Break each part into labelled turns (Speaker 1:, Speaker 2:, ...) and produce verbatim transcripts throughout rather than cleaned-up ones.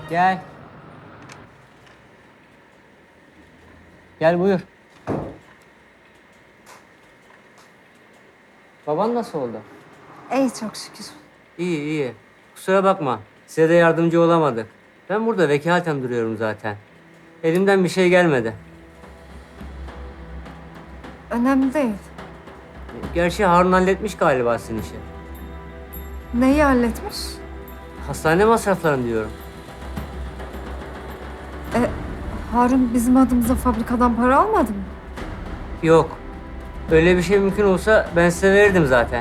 Speaker 1: Gel. Gel buyur. Baban nasıl oldu?
Speaker 2: İyi çok şükür.
Speaker 1: İyi iyi. Kusura bakma. Size de yardımcı olamadık. Ben burada vekaleten duruyorum zaten. Elimden bir şey gelmedi.
Speaker 2: Önemli değil.
Speaker 1: Gerçi Harun halletmiş galiba sizin işi.
Speaker 2: Neyi halletmiş?
Speaker 1: Hastane masraflarını diyorum.
Speaker 2: E, Harun bizim adımıza fabrikadan para almadı mı?
Speaker 1: Yok. Öyle bir şey mümkün olsa ben size verirdim zaten.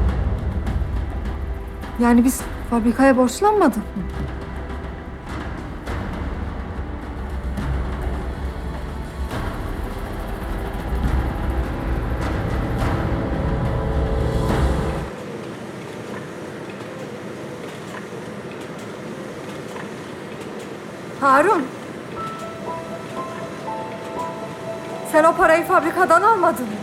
Speaker 2: Yani biz fabrikaya borçlanmadık mı? Harun. Sen o parayı fabrikadan almadın mı?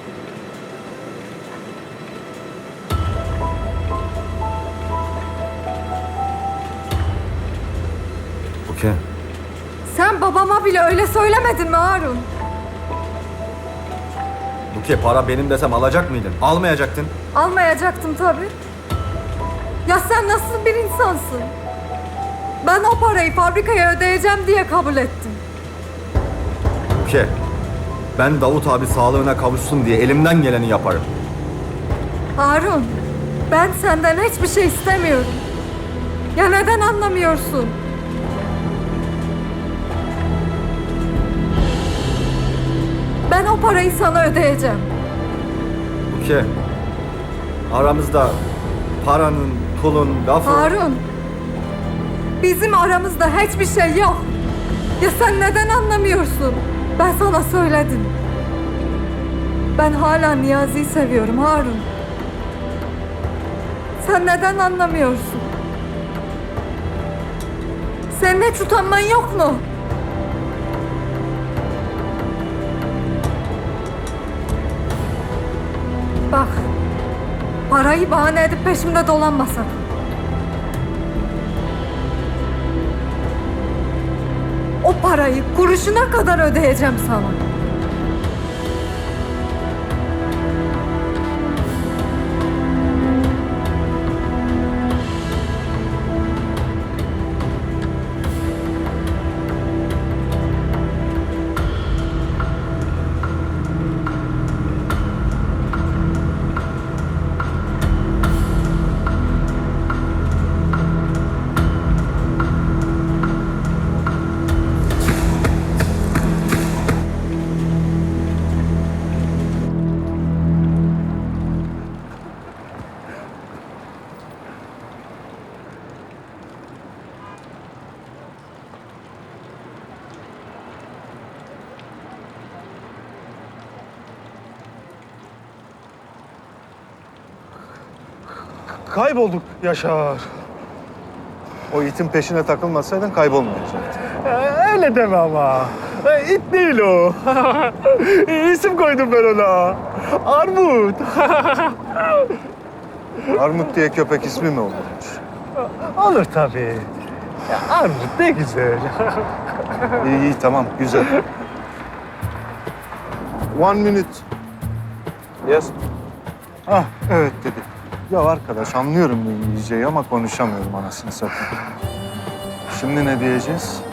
Speaker 3: Okey.
Speaker 2: Sen babama bile öyle söylemedin mi Harun?
Speaker 3: Buke, para benim desem alacak mıydın? Almayacaktın.
Speaker 2: Almayacaktım tabii. Ya sen nasıl bir insansın? Ben o parayı fabrikaya ödeyeceğim diye kabul ettim.
Speaker 3: Buke, ben Davut abi sağlığına kavuşsun diye elimden geleni yaparım.
Speaker 2: Harun, ben senden hiçbir şey istemiyorum. Ya neden anlamıyorsun? Ben o parayı sana ödeyeceğim.
Speaker 3: Buke, aramızda paranın, pulun, lafı...
Speaker 2: Harun, bizim aramızda hiçbir şey yok. Ya sen neden anlamıyorsun? Ben sana söyledim. Ben hala Niyazi'yi seviyorum Harun. Sen neden anlamıyorsun? Senin hiç utanman yok mu? Bak, parayı bahane edip peşimde dolanma sakın. O parayı kuruşuna kadar ödeyeceğim sana.
Speaker 4: Kaybolduk Yaşar.
Speaker 5: O itin peşine takılmasaydın kaybolmayacaktın.
Speaker 4: Ee, öyle deme ama. Ee, it değil o. İsim koydum ben ona. Armut.
Speaker 5: Armut diye köpek ismi mi olurmuş?
Speaker 4: Olur tabii. Ya, Armut ne güzel.
Speaker 5: İyi iyi tamam güzel. One minute. Yes. Ah evet dedi. Ya arkadaş anlıyorum bu İngilizceyi ama konuşamıyorum anasını satayım. Şimdi ne diyeceğiz?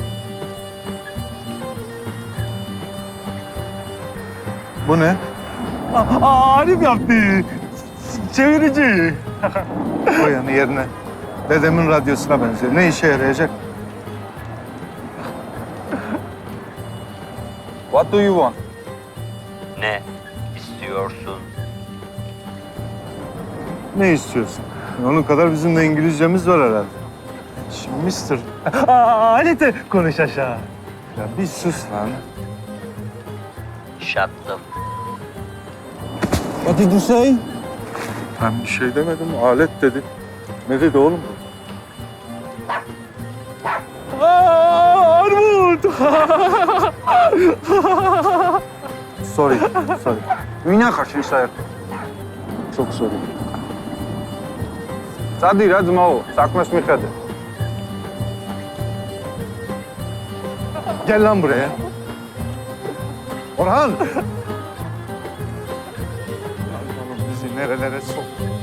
Speaker 5: Bu ne?
Speaker 4: Aa, Arif yaptı. Çevirici.
Speaker 5: Koy yanı yerine. Dedemin radyosuna benziyor. Ne işe yarayacak?
Speaker 6: What do you want?
Speaker 7: Ne istiyorsun?
Speaker 5: Ne istiyorsun? Onun kadar bizim de İngilizcemiz var herhalde. Şimdi mister.
Speaker 4: Aa, Alete konuş aşağı.
Speaker 5: Ya bir sus lan.
Speaker 7: Shut the
Speaker 4: What did you say?
Speaker 5: Ben bir şey demedim. Alet dedi. Ne dedi oğlum?
Speaker 4: Aa, Armut.
Speaker 5: Sorry. Sorry.
Speaker 6: Меня хочу sayır.
Speaker 5: Çok sorry.
Speaker 6: Sadi red mau, sakma smihade.
Speaker 5: Gel lan buraya. Orhan! Lan oğlum bizi nerelere sok.